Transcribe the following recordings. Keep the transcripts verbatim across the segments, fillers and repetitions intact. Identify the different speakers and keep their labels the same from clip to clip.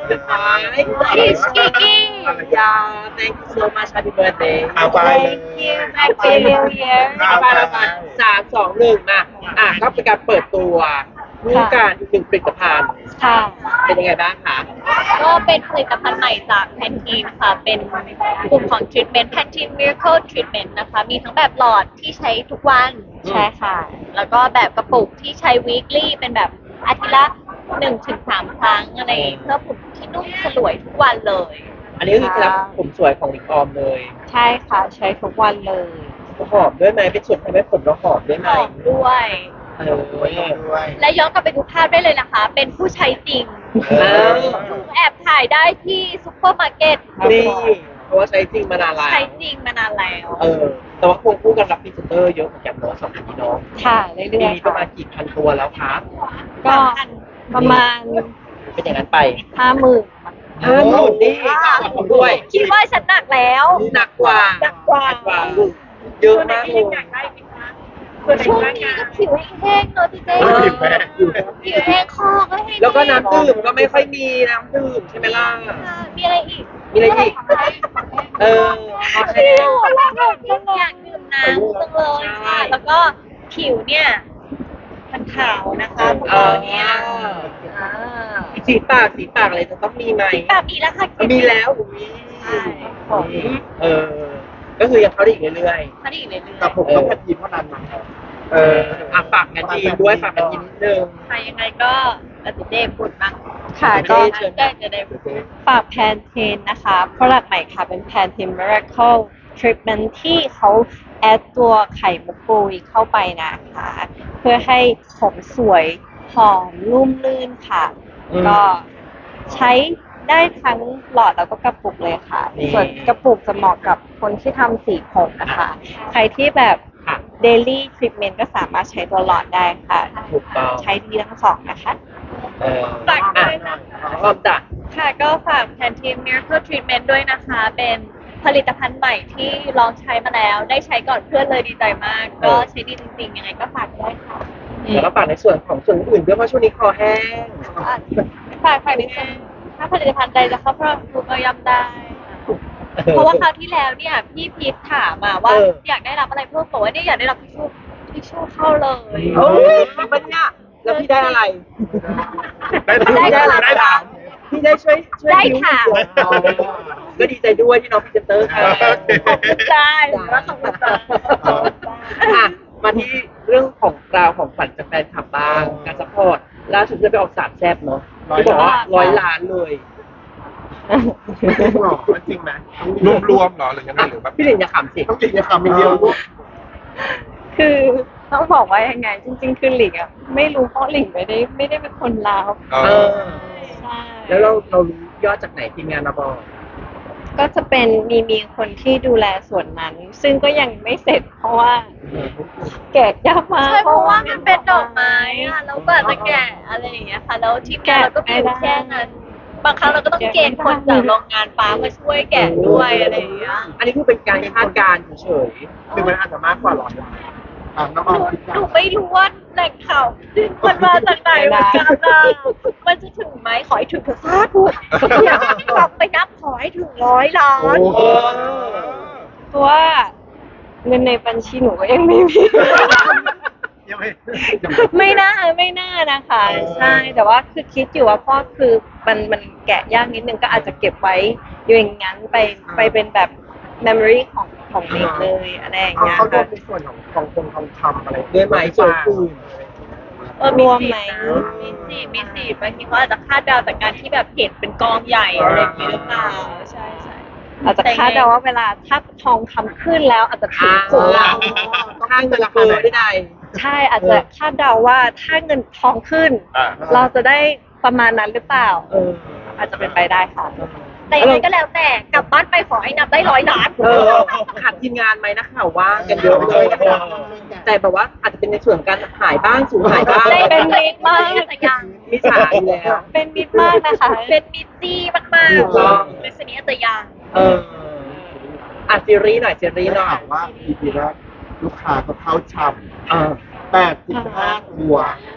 Speaker 1: สุดท้าย
Speaker 2: He's Kiki.
Speaker 1: Yeah, thank you so much. Happy birthday.
Speaker 3: เอาไป
Speaker 2: Thank you. Happy New Year.
Speaker 1: เอาไปเอาไปสามสองหนึ่งมาอ่ะก็เป็นการเปิดตัวรูปการอีกหนึ่งผลิตภัณฑ์
Speaker 2: ค่ะ
Speaker 1: เป็นยังไงบ้างคะ
Speaker 2: ก็เป็นผลิตภัณฑ์ใหม่จากแพนทีนค่ะ เป็นกลุ่มของ Treatment Pantene Miracle Treatment นะคะ มีทั้งแบบหลอดที่ใช้ทุกวัน ใช่ค่ะ แล้วก็แบบกระปุกที่ใช้ weekly เป็นแบบอาทิตย์ละหนึ่งถึงสามครั้งอะไรเพื่อผมที่นุ่มสลวยทุกวันเลย
Speaker 1: อันนี้ก็คือเคล็ดลับผมสวยของลิงออมเลย
Speaker 2: ใช่ค่ะ ใช้ทุกวันเลย
Speaker 1: หอมด้วยไหมเป็นส่วนทำให้ผมเราหอมด้วยไห
Speaker 2: ห
Speaker 1: ม
Speaker 2: อมด้วย
Speaker 1: เออ
Speaker 3: ด้วย
Speaker 2: และย้อนกลับไปดูภาพได้เลยนะคะ เป็นผู้ใช้จริง
Speaker 1: เออ
Speaker 2: ถูกแอบถ่ายได้ที่ซุปเปอร์มาร์เก็ต
Speaker 1: นี่เพราะว่าใช้จริงมานานแล้ว
Speaker 2: ใช้จริงมานานแล้ว
Speaker 1: เออ แต่ว่าควงคู่กันรับพรีเซนเตอร์เยอะเหมือนกันเนาะสองพี่น้อง
Speaker 2: ค่ะเรื่
Speaker 1: ปี
Speaker 2: อย
Speaker 1: นี้
Speaker 2: ๆ
Speaker 1: ประ
Speaker 2: ค่ะ
Speaker 1: มาณกี่พันตัวแล้วคะ
Speaker 2: ก็ประมาณ
Speaker 1: เป็นอย่างนั้นไป
Speaker 2: ห้าหมื่น
Speaker 1: ห้าหมื่นนี่ขอบคุณด้วย
Speaker 2: คิดว่าฉันหนักแล้ว
Speaker 1: หนักกว่า
Speaker 2: หนักกว่า
Speaker 1: เยอะมากเลย
Speaker 2: ช่วงนี้ก็ผิวแห้งๆเนอะพี่เจ๊
Speaker 3: ผิวแพ้
Speaker 2: ผิวแห้งคอก็แห้ง
Speaker 1: แล้วก็น้ำดื่มก็ไม่ค่อยมีน้ำดื่มใช่ไหมล่ะ
Speaker 2: ค่ะมีอะไรอีก
Speaker 1: มีอะไรอีก เออโอเค
Speaker 2: ผิวอยากดื่มน้ำจังเลยค่ะ แล้วก็ผิวเนี่ยมันขาวนะคะพวก
Speaker 1: เอ
Speaker 2: เรา
Speaker 1: อ
Speaker 2: เนี่ยอ่า
Speaker 1: สีปากสีปากอะไรจะต้องมีไหม
Speaker 2: แบบมีแล้วค่ะ
Speaker 1: มีแล้วมี
Speaker 2: ใช่
Speaker 1: เออ ก็คือยังเข้าได้อีกเรื่อย
Speaker 2: เขาได้อีกเรื่อยๆ
Speaker 3: กับผมต้องแพทย์ทีมเท่านั้นนะ
Speaker 1: ๆ เอออ่ะฝากงานจีนด้วยฝากงานจีนนิดนึง
Speaker 2: ใครยังไงก็อาติเดพูดบ้าง
Speaker 4: ค่ะ
Speaker 1: ก็
Speaker 4: ก็
Speaker 2: ได้จะได้
Speaker 4: ฝากแพนเทนนะคะ product ใหม่ค่ะ เป็นแพนเทน Miracle Treatment ที่เขาแอดตัวไข่มุกปุยเข้าไปนะคะ เพื่อให้ผมสวยหอมนุ่มลื่นค่ะ
Speaker 1: อืม
Speaker 4: ก็ใช้ได้ทั้งหลอดแล้วก็กระปุกเลยค่ะ
Speaker 1: นี่
Speaker 4: ส่วนกระปุกจะเหมาะกับคนที่ทำสีผมนะคะ ใครที่แบบ
Speaker 1: ค่ะ
Speaker 4: daily treatment ก็สามารถใช้ตัวหลอดได้ค่ะ
Speaker 1: ถูกต้อง
Speaker 4: ใช้ดีทั้งสองนะคะ
Speaker 1: เออ
Speaker 2: ฝากด้วยนะ
Speaker 1: พร้อมจ้ะ
Speaker 2: ค่ะก็ฝากแพนทีม Miracle Treatment ด้วยนะคะ เป็นผลิตภัณฑ์ใหม่ที่ลองใช้มาแล้ว ได้ใช้ก่อนเพื่อนเลยดีใจมาก ก็ใช้ดีจริงๆ ยังไงก็ฝากด้วยค่ะ
Speaker 1: แล้วก็ฝากในส่วนของส่วนอื่นด้วยเพราะช่วงนี้คอแห้ง
Speaker 2: อ่ะฝากฝากนิดนึงถ้าผลิตภัณฑ์ใดจะเข้าพร้อมคุณก็ย่ำได้ เพราะว่าคราวที่แล้วเนี่ยพี่พีทถามมาว่า
Speaker 1: เออ
Speaker 2: อยากได้รับอะไรเพิ่มบอกว่าเนี่ยอยากได้รับทิชชู่ทิชชู่เข้าเลย
Speaker 1: โอ้ยมันเนี่ยแล้วพี่ได้อะไร
Speaker 3: ได้ถาม
Speaker 2: ได้ถาม
Speaker 3: ได้ถาม
Speaker 1: พี่ได้ช่วยช่วย
Speaker 2: ได้
Speaker 1: บิ้ว
Speaker 2: ค่ะ
Speaker 1: อ๋อก็ดีใจด้วยที่น้องพรีเซนเตอร์ค่ะ
Speaker 2: ขอบคุณจ้าหรือว่าขอบคุณจ้า
Speaker 1: อ่ะมาที่เรื่องของราวของขวัญจากแฟนคลับบ้างการซัพพอร์ตล่าสุดจะไปออกสามแซบเนาะที่บอกว่าร้อยล้านเลย
Speaker 3: จริงเหรอจริงไหมรวมรวมๆเหรอหรือยังไงหรือแบบ
Speaker 1: พี่หลินอย่าขำสิ
Speaker 3: ต้องกินยาคำเดียวลูก
Speaker 4: คือต้องบอกว่ายังไง จริง ๆ คือหลิงอ่ะไม่รู้เพราะหลิงไม่ได้ไม่ได้เป็นคนลาว
Speaker 3: เอ
Speaker 1: เอ
Speaker 3: อ
Speaker 1: อ
Speaker 4: ใช่
Speaker 1: แล้วเราเรารู้ยอดจากไหนทีมงานมาบอก
Speaker 4: ก็จะเป็นมีมีคนที่ดูแลส่วนนั้น ซึ่งก็ยังไม่เสร็จเพราะว่าแกะยากมาก
Speaker 2: ใช่เพราะว่ามันเป็นดอกไม้อะแล้วแบบจะแกะอะไรอย่างเงี้ยค่ะ แล้วทีมงานเราก็มีอยู่แค่นั้น บางครั้งเราก็ต้องเกณฑ์คนจากโรงงานฟ้ามาช่วยแกะด้วยอะไรอย่างเงี้ย
Speaker 1: อันนี้คือเป็นการคาดการณ์เฉย
Speaker 3: หรือมันอาจจะมากกว่าร้อยล้านอ่ะน้อง
Speaker 2: ห
Speaker 3: ออ
Speaker 2: นู
Speaker 3: มคิด
Speaker 2: หนู
Speaker 3: ว่า
Speaker 2: ไม่รู้ว่าแหล่งข่าวมันมาจากไหนเหมือนกันนะมันจะถึงไหมขอให้ถึงเถอะสาธุอยากกลับไปนับขอให้ถึงร้อยล้าน
Speaker 3: โอ้โห
Speaker 4: เพราะว่าเงินในบัญชีหนูก็ยังไม่มี
Speaker 3: ยังไม่
Speaker 4: ไม่น่าไม่น่านะคะ ใช่แต่ว่าคือคิดอยู่ว่าพ่อคือมันมันแกะยากนิดนึงก็อาจจะเก็บไว้อยู่อย่างนั้นไปไปเป็นแบบ memory ของของเด็กเลยอะไรอย่าง
Speaker 3: เอา
Speaker 4: เงี้ย
Speaker 3: เขารว
Speaker 4: ค่ะ
Speaker 3: มในส่วนของทองคงทองคำอะไร
Speaker 1: ๆด้วยไหมส่วนอื่น
Speaker 2: เออ
Speaker 4: รวมไหม
Speaker 2: มีสิมีสิบางทีเขาอาจจะคาดเดาจากการที่แบบเห็นเป็นกองใหญ่อะไรอย่างงี้หรือเปล่าใช่ใช่
Speaker 4: อาจจะคาดเดาว่าเวลาถ้าทองคำขึ้นแล้วอาจจะถึง
Speaker 1: อ่า
Speaker 4: จุดเรา
Speaker 1: ข้างเงินเฟ้อได้ใด
Speaker 4: ใช่อาจจะคาดเดาว่าถ้าเงินทองขึ้น
Speaker 3: อ่า
Speaker 4: เราจะได้ประมาณนั้นหรือเปล่า
Speaker 1: เออ
Speaker 4: อาจจะเป็นไปได้ค่ะ
Speaker 2: แต่ยังไงก็แล้วแต่กลับบ้านไปขอให้นับได้ร้อยล้าน
Speaker 1: เออขาดทีมงานไหมนักข่าวว่ากันเยอะเลยนะคะแต่แบบว่าอาจจะเป็นในส่วนของการหายบ้างสูญหายบ้าง
Speaker 2: ได้เป็นมิตรมากแต่ยัง
Speaker 1: มิจฉาอยู่แล้ว
Speaker 4: เป็นมิตรมากนะคะ
Speaker 2: เป็นมิตรจี้มาก
Speaker 1: ถูกต้อง
Speaker 2: ๆเป็นสนิทแต่ยัง
Speaker 1: เอออ่ะซีรีส์หน่อยซีรีส์หน่อย
Speaker 3: ถามว่า อี พี แรกลูกค้าก็เข้าช่
Speaker 1: เออ
Speaker 3: ำแปดสิบห้าตัว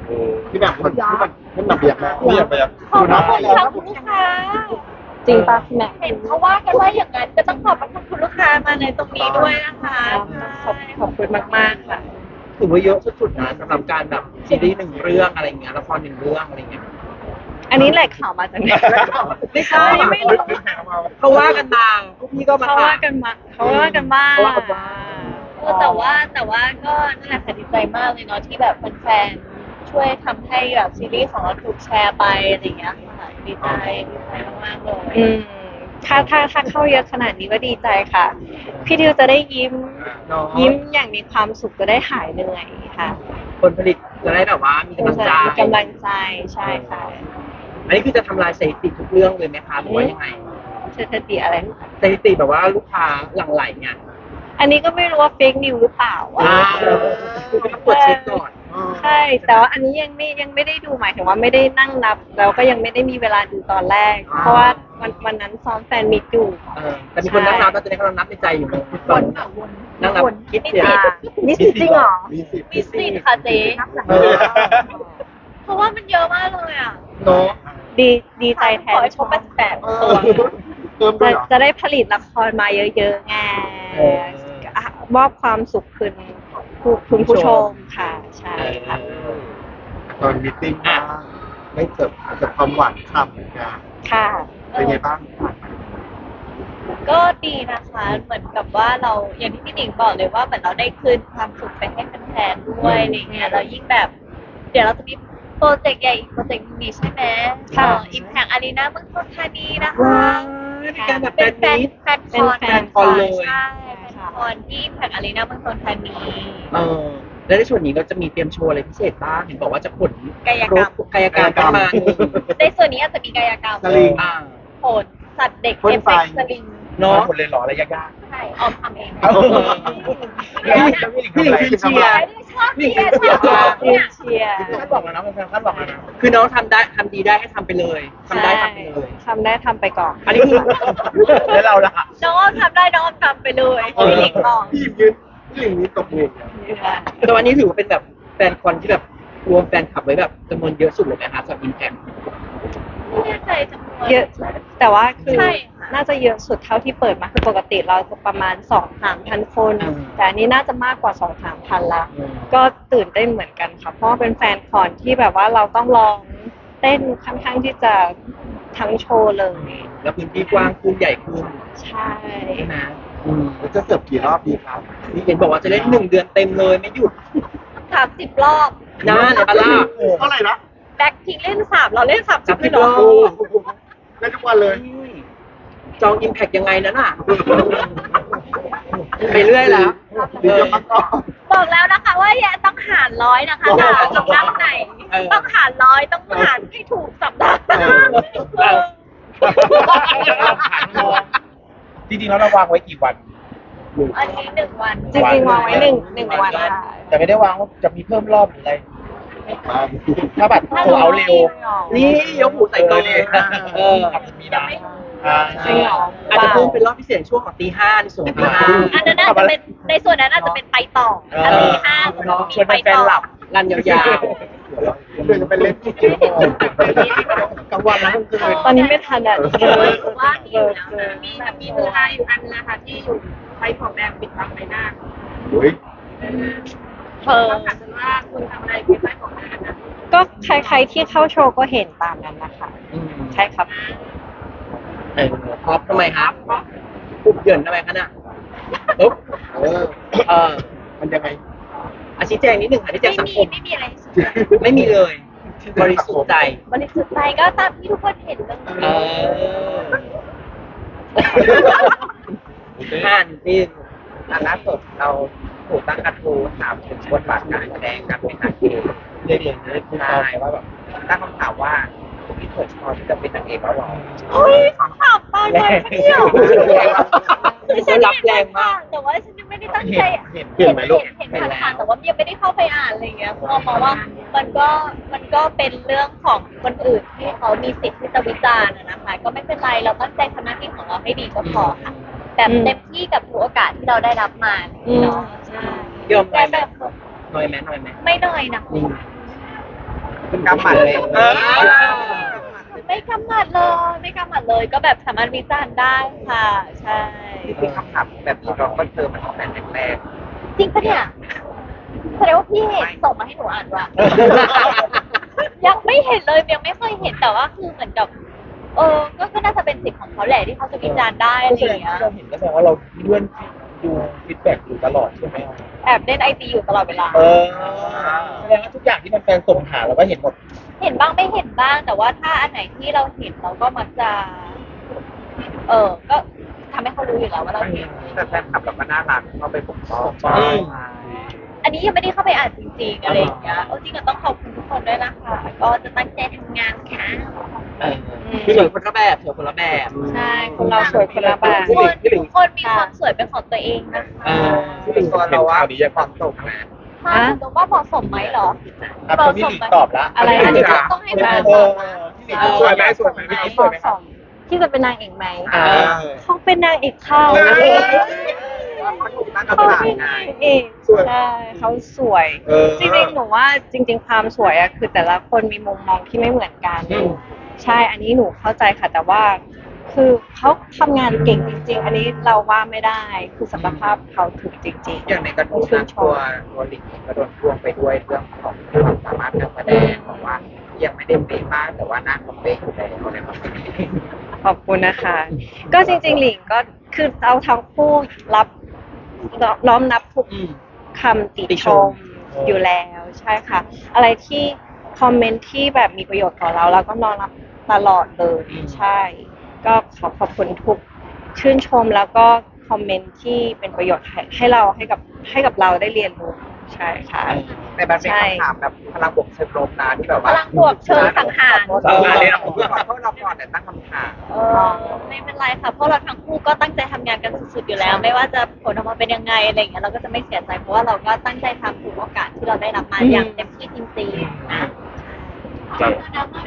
Speaker 3: ที่แบบคนที่แบบที่แบบเบียดมาเบียดไปอ่ะ
Speaker 2: ขอบคุณค่ะคุณลูกค้า
Speaker 4: จริงปะพี่แม็ก
Speaker 2: เห็นเขาว่ากันว่าอย่างนั้นก็ต้องขอบพระคุณคุณลูกค้ามาในตรงนี้ด้วยนะคะ
Speaker 4: ขอบขอบคุณมากๆค่ะ
Speaker 1: ถือว่าเยอะสุดๆนะสำหรับการแบบซีรีส์หนึ่งเรื่องอะไรเงี้ยละครหนึ่งเรื่องอะไรเงี้ย
Speaker 4: อันนี้แหละข่าวมาจากไหน
Speaker 1: ไม่ใช่ไม่รู้เขาว่ากันมาพวกพี่ก็มา
Speaker 4: เขา
Speaker 1: ถา
Speaker 4: ว่าม กันมาเขาว่ากันบ้าง
Speaker 1: เขาว่ากันบ้าง
Speaker 2: เออแต่ว่าแต่ว่าก็นั่นแหละค่ะดีใจมากเลยเนาะที่แบบแฟนๆช่วยทำให้แบบซีรีส์ของเราถูกแชร์ไปอะไรอย่างเงี้ยค่ะดีใจดีใจมากๆเลย
Speaker 4: อืมถ้าถ้าถ้าเข้าเยอะขนาดนี้ก็ดีใจค่ะ พี่ดิวจะได้ยิ้ม
Speaker 1: เนาะ
Speaker 4: ยิ้มอย่างมีความสุขจะได้หายเหนื่อยค่ะ
Speaker 1: คนผลิตจะได้แบบว่ามีกำลังใจ
Speaker 4: มีกำลังใจใช่ค่ะ
Speaker 1: อันนี้คือจะทำลายสถิติทุกเรื่องเลยไหมคะหรือว่ายังไง
Speaker 4: สถิติอะไร
Speaker 1: สถิติแบบว่าลูกค้าหลั่งไหลเนี่ย
Speaker 4: อันนี้ก็ไม่รู้ว่าเฟกนิวหรือเปล่า
Speaker 1: อ่าต้องตรวจเช็คก่อน
Speaker 4: ใช่ แต่ว่าอันนี้ยังไม่ยังไม่ได้ดูหมายถึงว่าไม่ได้นั่งนับ แล้วก็ยังไม่ได้มีเวลาดูตอนแรก เพราะว่าวันวันนั้นซ้อมแฟนมิตรอยู่
Speaker 1: เออแต่มีคนนั่งนับแล้วตอนนี้กำลังนับในใจอยู่ตอนนั่งนับคิดเสีย
Speaker 4: อ่ามีสิทธิ์จริงเหรอ
Speaker 3: มีสิบ
Speaker 2: มีสิทธิ์ค่ะเจ๊
Speaker 1: เออ
Speaker 2: เพราะว่ามันเยอะมากเลยอ่ะ
Speaker 1: เนาะ
Speaker 4: ดีดีใจแท
Speaker 2: ขอน ให้ครบแปดสิบแปด
Speaker 1: เอ
Speaker 2: ตั
Speaker 1: อ
Speaker 2: ว
Speaker 3: เติมด้ว
Speaker 4: จะ
Speaker 3: ยเหรอ
Speaker 4: จะได้ผลิตละครมาเยอะๆไง
Speaker 1: เออ
Speaker 4: อ่ะมอบความสุขคืนผู้คุณผู้ชมค่ะ ใช่ค่ะ
Speaker 3: ตอนมีตติ้งมาไม่เสิร์ฟเสิร์ฟความหวานฉ่ำเหมือนกัน
Speaker 4: ค่ะ
Speaker 3: เป็นไงบ้าง
Speaker 2: ก็ดีนะคะ เหมือนกับว่าเราอย่างที่พี่หนิงบอกเลยว่าเหมือนเราได้คืนความสุขไปให้แฟนๆด้วยอะไรเงี้ยเรายิ่งแบบ เดี๋ยวเราจะมีโปรเจกต์ใหญ่อีกโปรเจกต์หนึงนี่ใช่ไหม
Speaker 4: ค่ะ
Speaker 2: อิมแพกอารีนาเมืองทองธานีนะคะ
Speaker 1: ว้าวมีการแบบแฟ
Speaker 2: เป็น
Speaker 1: น
Speaker 2: แฟน
Speaker 1: มีต
Speaker 2: แฟนคอน
Speaker 4: เป็นแฟนคอนเลย
Speaker 2: ใช่แฟนคอนที่อิมแพกอารีนาเมืองทองธานี
Speaker 1: เออแล้วในส่วนนี้ก็จะมีเตรียมโชว์อะไรพิเศษบ้างเห็นบอกว่าจะขน
Speaker 2: กายกรรม
Speaker 1: คกายกรรมกันมาหนึ่ง
Speaker 2: ในส่วนนี้อาจจะมีกายกรรม
Speaker 3: สลิง
Speaker 1: อ่า
Speaker 2: โขนสัตว์เด็ก
Speaker 3: พ่น
Speaker 2: เอฟ
Speaker 3: ไฟ
Speaker 2: เฟกต์สลิง
Speaker 1: เนาะ
Speaker 3: หมดเลยเหรออะไรยาก
Speaker 2: ใช่ออมทำเอง
Speaker 3: ๆเอา
Speaker 1: พี่หลิงคือเชียร์
Speaker 2: ชอบเชียร์ชอบ
Speaker 4: เชี
Speaker 2: เนี่ย
Speaker 4: ยร์เชียร์
Speaker 3: คาดหวังแล้วนะแฟนๆคาดหวังแล้วนะ
Speaker 1: คือน้องทำได้ทำดีได้ให้ทำไปเลยทำได้ทำไปเลย
Speaker 4: ทำได้ทำไปก่อน
Speaker 1: อันนี้คือ
Speaker 3: แล้วเราล่ะ
Speaker 2: น้องออมทำได้น้องออมทำไปเลยพี่หลิงบอก
Speaker 3: พี่หยิบยืนพี่หลิงนี้ตบมือ
Speaker 1: แต่วันนี้ถือว่าเป็นแบบแฟนคอนที่แบบรวมแฟนคลับไว้แบบจำนวนเยอะสุดเลยนะคะสำหรับอิมแพค
Speaker 2: ไม่แน่ใจจำนวน
Speaker 4: เยอะ แต่ว่าคือ
Speaker 2: ใช่ค่ะ
Speaker 4: น่าจะเยอะสุดเท่าที่เปิดมาคือปกติเราจะประมาณสองสามพันคน แต่อันนี้น่าจะมากกว่าสองสามพันละ ก็ตื่นเต้นเหมือนกันค่ะ เพราะว่าเป็นแฟนคอนที่แบบว่าเราต้องลองเต้นค่อนข้างที่จะทั้งโชว์เลย
Speaker 1: แล้วพื้นที่กว้างขึ้นใหญ่ขึ้น
Speaker 4: ใช่
Speaker 1: ใช่ไหมอืม
Speaker 3: แล้วจะเสิร์ฟกี่รอบดีครับ
Speaker 1: นี่เห็นบอกว่าจะเล่นหนึ่งเดือนเต็มเลยไม่หยุด
Speaker 2: สามสิบรอบ
Speaker 1: นะในปาล่า
Speaker 3: เท่าไหร่นะ
Speaker 2: แบ็คพิงเล่นสามเราเล่นสามสิบเลยเหรอ
Speaker 1: สามสิบรอบ
Speaker 3: ได้ทุกวันเลย
Speaker 1: จองอิมแพคยังไงนั้นอ่ะ ไปเรื่อยแล้ว
Speaker 3: ดีเยอะมากก็
Speaker 2: บอกแล้วนะคะว่าอย่าต้องหารร้อยนะคะหารสำนักไหน ต้องหารร้อยต้องหารให้ถูกสำนักนะเออ
Speaker 3: จริงๆแล้วเราวางไว้กี่วัน
Speaker 2: อันนี้หนึ่งวัน
Speaker 4: จริงๆวางไว้หนึ่งหนึ่งวันค่ะ
Speaker 3: แต่ไม่ได้วางว่าจะมีเพิ่มรอบหรืออะไร ถ้าแบบโทรเอาเร็ว
Speaker 1: นี่ยกหูใส่กองเลยเออ
Speaker 3: มีนะอ่า
Speaker 4: จริงเหรอ
Speaker 1: อาจจะเพิ่มเป็นรอบพิเศษช่วงของตีห้าในส่วนของตีห้า
Speaker 2: อันนั้นน่าจะเป็นในส่วนนั้นน่าจะเป็นไปต่ออันนี้ห้า
Speaker 1: เนาะ
Speaker 2: มีไปต่อ
Speaker 1: รันยาว
Speaker 3: เดี๋ยวจะเป็นเล่นที่เกี่ยวกลางวันแล้วกลางคืน
Speaker 4: ตอนนี้ไม่ทันอ่ะเจอ
Speaker 2: ว่าที่อยู่แล้ว
Speaker 4: เจอ
Speaker 2: มีมีเวลาอยู่อันนะคะที่อยู่ไฟของแดงปิดบังใบหน้า
Speaker 3: เฮ้ย
Speaker 2: เธอถามฉันว่าคุณทำอะไรเป็นไฟของแดงนะ
Speaker 4: ก็ใครๆที่เข้าโชว์ก็เห็นตามนั้นนะคะ
Speaker 1: ๆอืม
Speaker 4: ใช่ครับ
Speaker 1: เออพอบทำไมครับปุบเหยินทำไมคะน่ะปุ๊บ
Speaker 3: เออ
Speaker 1: เออ
Speaker 3: มันยังไง
Speaker 1: อาชี้แจงนิดหนึ่งค่ะชี้แจ
Speaker 2: ไม่
Speaker 1: งสัง
Speaker 2: มี
Speaker 1: คม
Speaker 2: ไม่มีอะไร
Speaker 1: ไม่มีเลย บริสุทธิ์ใจ
Speaker 2: บริสุทธิ์ใจก็ตามที่ทุกคนเห็นเลย
Speaker 1: เออห้านี่
Speaker 5: ล่าสุดเราถูกตั้งกระทู้ถามถึงบทบาทการแสดงการเป็นนางเอก
Speaker 1: เรื่องอย่างนี้
Speaker 5: ใช่ว่าแบบตั้งคำถามว่าพี่เถิดพอที่จะเป็นนางเอกแล้วหรอ
Speaker 2: เฮ้ยคำถามตอนเลยเที่ยว
Speaker 1: คือฉันรับแรงมาก
Speaker 2: แต่ว่าฉันยังไม่ได้ตั้งใจ
Speaker 3: เห็นเห็นไหมลูก
Speaker 2: เห็นผ่านๆแต่ว่ายังไม่ได้เข้าไปอ่านอะไรอย่างเงี้ยเพราะว่ามองว่ามันก็มันก็เป็นเรื่องของคนอื่นที่เขามีสิทธิ์ที่จะวิจารณ์อะนะคะ ก็ไม่เป็นไรเราตั้งใจทำหน้าที่ของเราให้ดีก็พอค่ะแบบเต็มที่กับทุกโอกาสที่เราได้รับมาเนาะใช่
Speaker 1: ยอมหน่
Speaker 2: แต่
Speaker 1: อยไหม
Speaker 2: แบบ
Speaker 1: หน่อยไหมหน่อยไหม
Speaker 2: ไม่น้อยนะ
Speaker 1: อืม
Speaker 5: คุณกำหมัดเลย
Speaker 3: เออ
Speaker 2: ไม่กำหมัดเลยไม่กำหมัดเลยก็แบบสามารถวิจารณ์ได้ค่ะ ใช่
Speaker 5: จริงๆคำถามแบบนี้เราก็เจอมาตั้งแต่แรก
Speaker 2: จริงปะเนี่ยแสดงว่าพี่เห็นส่งมาให้หนูอ่านว่ะ ยังไม่เห็นเลยยังไม่เคยเห็นแต่ว่าคือเหมือนกับ เออก็ก็น่าจะเป็นสิทธิ์ของเขาแหละที่เขาจะวิจารณ์ได้อะไรอย่างเงี้ย
Speaker 6: เราเห็นก็แสดงว่าเราเลื่อนดูฟีดแบ็กอยู่ตลอดใช่ไหม
Speaker 2: แอบเล่นไอจีอยู่ตลอดเวลา
Speaker 6: เออแสดงว่าทุกอย่างที่มันแฟนส่งหาเราก็เห็นหมด
Speaker 2: เห็นบ้างไม่เห็นบ้าง แต่ว่าถ้าอันไหนที่เราเห็นเราก็มักจะ เออก็ทำให้เขารู้อยู่แล้วว่าเราเห็น
Speaker 5: ๆแต่แฟนคลับเราก็น่ารักเข้าไปปกป้อง
Speaker 6: อืม
Speaker 2: อันนี้ยังไม่ได้เข้าไปอ่านจริงๆอะไรอย่างเงี้ยเออจริงก็ต้องขอบคุณทุกคนด้วยนะคะ ก็จะตั้งใจทำงานค่ะ
Speaker 1: เออคือสวยคนละแบบสวยคนละแบบ
Speaker 2: ใช่
Speaker 4: คนเราสวยคนละแบบ
Speaker 2: ทุกคนทุกคนมีความสวยเป็นของตัวเองนะคะ
Speaker 1: เออ
Speaker 5: ที่ตัวเราว่าความตกนะ
Speaker 2: ถ้าคุณตรงว่าเหมาะสมไหมเหรอ
Speaker 6: อ่ะคนที่หลีกตอบละ
Speaker 4: อะไร
Speaker 2: อันนี้
Speaker 4: นะ
Speaker 2: ต้องให้แฟน
Speaker 6: เอ
Speaker 2: ตอ
Speaker 6: อบ
Speaker 2: มา
Speaker 6: ที่หลีกสวยไหมสวยไหมพี่
Speaker 4: เห
Speaker 6: สวย
Speaker 4: มาะ
Speaker 6: ไหม
Speaker 4: สมที่จะเป็นนางเอกไหม
Speaker 6: อ่า
Speaker 4: เขาเป็นนางเอกเข้า
Speaker 6: เออ
Speaker 5: มันถูกตั้ง
Speaker 4: เขา
Speaker 5: คำถาม
Speaker 4: เป็น
Speaker 5: ไง
Speaker 4: นางเอก
Speaker 6: สวย
Speaker 4: ใช่เขาสวย
Speaker 6: เออ
Speaker 4: จริงๆ หนูว่าจริง ๆ ความสวยอะคือแต่ละคนมีมุมมองที่ไม่เหมือนกัน
Speaker 6: อืม
Speaker 4: ใช่ อันนี้หนูเข้าใจค่ะ แต่ว่า คือเขาทำงานเก่งจริง ๆ อันนี้เราว่าไม่ได้ คือศักยภาพเขาถูกจริงๆ
Speaker 5: อย่างในกระทู้
Speaker 4: ชื่
Speaker 5: นะ
Speaker 4: นช
Speaker 5: ตัว
Speaker 4: ม
Speaker 5: ตัวลิงเองก็โดนพ่วงไปด้วยเรื่องของความสามารถการแสดงบอกว่ายังไม่ได้เป๊ะมากแต่ว่าหน้าเขาเป๊ะอยู่แล้วอะไรแบบนี้
Speaker 4: ขอบคุณนะคะ ก็จริงๆ หลิงก็คือเราทั้งคู่รับน้อมนับทุก
Speaker 1: อืม
Speaker 4: คำติ
Speaker 1: ติ
Speaker 4: ช
Speaker 1: ช
Speaker 4: ม
Speaker 1: ม
Speaker 4: อยู่แล้วใช่ค่ะ อะไรที่คอมเมนต์ที่แบบมีประโยชน์ต่อเราเราก็น้อมรับตลอดเลยใช่ ก็ขอขอบคุณทุกชื่นชมแล้วก็คอมเมนต์ที่เป็นประโยชน์ให้ให้เราให้กับให้กับเราได้เรียนรู้ใช่ค่ะ
Speaker 5: แต่มันเป็นคำถามแบบพลังบวกเชิงลบนะที่แบบ
Speaker 2: พ
Speaker 5: ว่า
Speaker 2: ลังบวกเชิงสังหาร
Speaker 5: เออเนี่ยผมขอโทษเราก่อนแต่ตั้งคำถาม
Speaker 2: เออไม่เป็นไรค่ะเพราะเราทั้งคู่ก็ตั้งใจทำงานกันสุดๆอยู่แล้ว ไม่ว่าจะผลออกมาเป็นยังไงอะไรอย่างเงี้ยเราก็จะไม่เสียใจเพราะว่าเราก็ตั้งใจทำทุกโอกาสที่เราได้รับมา
Speaker 4: อืม
Speaker 2: อย่างเต็มที่จริงๆนะ
Speaker 3: ครับ
Speaker 2: จะป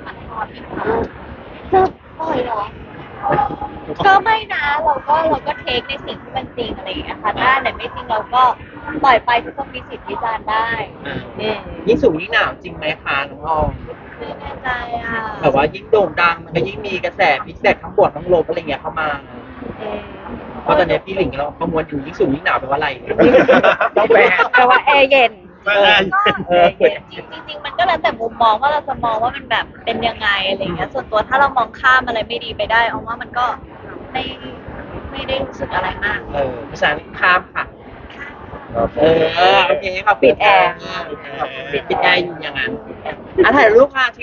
Speaker 2: ล่อยเหรอก็ไม่นะเราก็เราก็เทคในสิ่งที่มันจริงอะไรอย่างเงี้ยค่ะถ้าอันไหนไม่จริงเราก็ปล่อยไปทุกคนมีสิทธิ์วิจารณ์ได้
Speaker 1: อืมยิ่งสูงยิ่งหนาวจริงไหมคะน้องออม
Speaker 2: ไม่แน่ใจอ่ะ
Speaker 1: แบบว่ายิ่งโด่งดังมันก็ยิ่งมีกระแสฟีดแบ็กทั้งบวกทั้งลบอะไรเงี้ยเข้ามา
Speaker 4: อืม
Speaker 1: เพราะตอนนี้พี่หลิงเราประมวลอยู่ยิ่งสูงยิ่งหนาวแปลว่าอะไร
Speaker 6: ต้องแปล
Speaker 4: แปลว่าแอร์เย็น
Speaker 3: เออ
Speaker 4: เออเย็น
Speaker 2: จริงๆจริงๆมันก็แล้วแต่มุมมองว่าเราจะมองว่ามันแบบเป็นยังไงอะไรอย่างเงี้ยส่วนตัวถ้าเรามองข้ามอะไรไม่ดีไปได้เอาว่ามันก็ไม่ไม่ได้รู้สึกอะไรมาก
Speaker 1: เออภาษาข้ามค่ะ เออโอเคขอบคุณ
Speaker 4: ปิดแอร์
Speaker 1: ขอบคุณปิดแอร์อยู่อย่างนั้นอ่ะถ่ายรูปค่ะ